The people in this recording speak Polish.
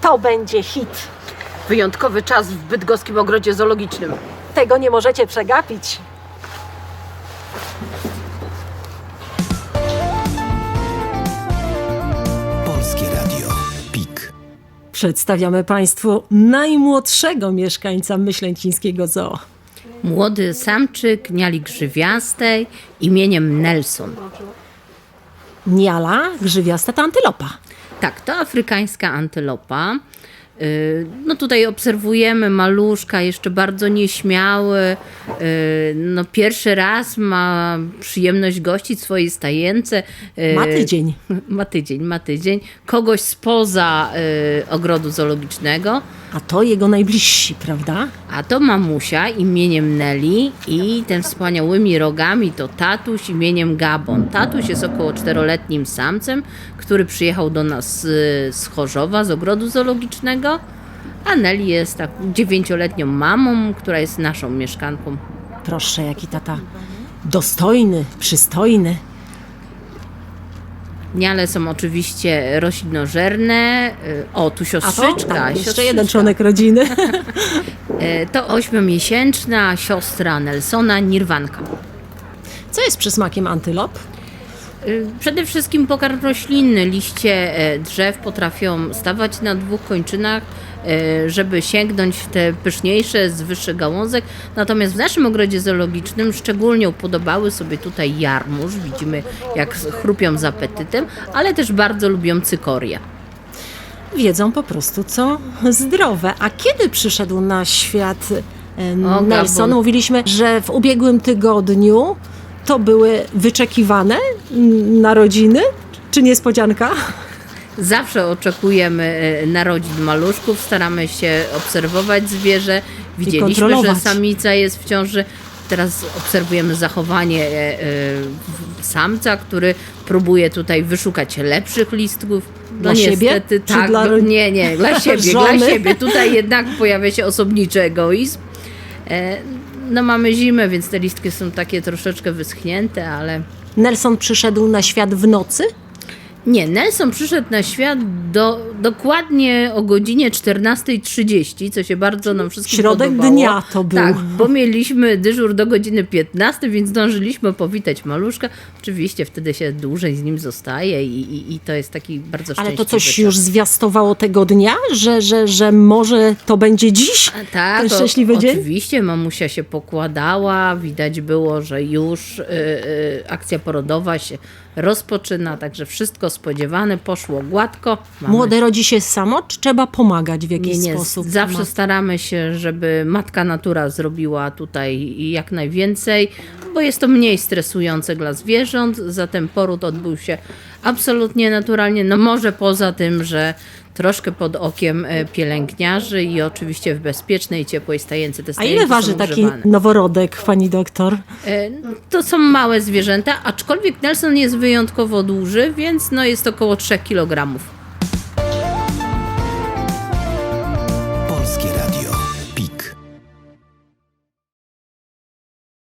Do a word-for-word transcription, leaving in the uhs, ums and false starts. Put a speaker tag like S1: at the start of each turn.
S1: To będzie hit.
S2: Wyjątkowy czas w bydgoskim ogrodzie zoologicznym.
S1: Tego nie możecie przegapić.
S3: Polskie Radio PiK.
S1: Przedstawiamy Państwu najmłodszego mieszkańca myślęcińskiego zoo.
S2: Młody samczyk niali grzywiastej imieniem Nelson.
S1: Niala grzywiasta to antylopa.
S2: Tak, to afrykańska antylopa. Yy, No tutaj obserwujemy maluszka, jeszcze bardzo nieśmiały. Yy, No pierwszy raz ma przyjemność gościć swojej stajence. Yy,
S1: Ma tydzień.
S2: Ma tydzień, ma tydzień. Kogoś spoza yy, ogrodu zoologicznego.
S1: A to jego najbliżsi, prawda?
S2: A to mamusia imieniem Nelly i ten wspaniałymi rogami to tatuś imieniem Gabon. Tatuś jest około czteroletnim samcem, który przyjechał do nas z, z Chorzowa, z ogrodu zoologicznego, a Nelly jest tak dziewięcioletnią mamą, która jest naszą mieszkanką.
S1: Proszę, jaki tata dostojny, przystojny.
S2: Niale są oczywiście roślinożerne. O, tu
S1: A
S2: siostrzyczka.
S1: to? Tak, jeszcze
S2: siostrzyczka.
S1: jeden członek rodziny.
S2: To ośmiomiesięczna siostra Nelsona, Nirwanka.
S1: Co jest przysmakiem antylop?
S2: Przede wszystkim pokarm roślinny. Liście e, drzew potrafią stawać na dwóch kończynach, e, żeby sięgnąć w te pyszniejsze z wyższych gałązek. Natomiast w naszym ogrodzie zoologicznym szczególnie upodobały sobie tutaj jarmuż. Widzimy, jak chrupią z apetytem, ale też bardzo lubią cykorię.
S1: Wiedzą po prostu, co zdrowe. A kiedy przyszedł na świat e,
S2: O,
S1: Nelson?
S2: Gabon.
S1: Mówiliśmy, że w ubiegłym tygodniu to były wyczekiwane mm, narodziny, czy niespodzianka?
S2: Zawsze oczekujemy e, narodzin maluszków, staramy się obserwować zwierzę. Widzieliśmy, że
S1: kontrolować.
S2: samica jest w ciąży. Teraz obserwujemy zachowanie e, e, samca, który próbuje tutaj wyszukać lepszych listków. No
S1: Dla siebie?
S2: niestety,
S1: Czy
S2: tak,
S1: dla
S2: no,
S1: ro-
S2: nie, nie, dla siebie, dla
S1: żony?
S2: siebie. Tutaj jednak pojawia się osobniczy egoizm. E, no mamy zimę, więc te listki są takie troszeczkę wyschnięte, ale...
S1: Nelson przyszedł na świat w nocy?
S2: Nie, Nelson przyszedł na świat do, dokładnie o godzinie czternastej trzydzieści, co się bardzo nam wszystkim
S1: Środek
S2: podobało.
S1: dnia to był.
S2: Tak, bo mieliśmy dyżur do godziny piętnastej, więc zdążyliśmy powitać maluszka. Oczywiście wtedy się dłużej z nim zostaje i, i, i to jest taki bardzo szczęśliwy
S1: Ale to coś
S2: czas.
S1: już zwiastowało tego dnia, że, że, że może to będzie dziś?
S2: A tak,
S1: ten
S2: o-
S1: szczęśliwy dzień?
S2: Oczywiście mamusia się pokładała, widać było, że już y, y, akcja porodowa się rozpoczyna, także wszystko spodziewane, poszło gładko. Mamy
S1: Młode rodzi się samo, czy trzeba pomagać w jakiś
S2: Nie, nie.
S1: sposób?
S2: Zawsze
S1: Ma-
S2: staramy się, żeby matka natura zrobiła tutaj jak najwięcej, bo jest to mniej stresujące dla zwierząt, zatem poród odbył się absolutnie naturalnie, no może poza tym, że troszkę pod okiem e, pielęgniarzy i oczywiście w bezpiecznej, ciepłej stajence. Te
S1: A
S2: stajenki
S1: ile
S2: są
S1: waży taki
S2: ogrzewane.
S1: noworodek, pani doktor?
S2: E, To są małe zwierzęta, aczkolwiek Nelson jest wyjątkowo duży, więc no jest około trzech kilogramów.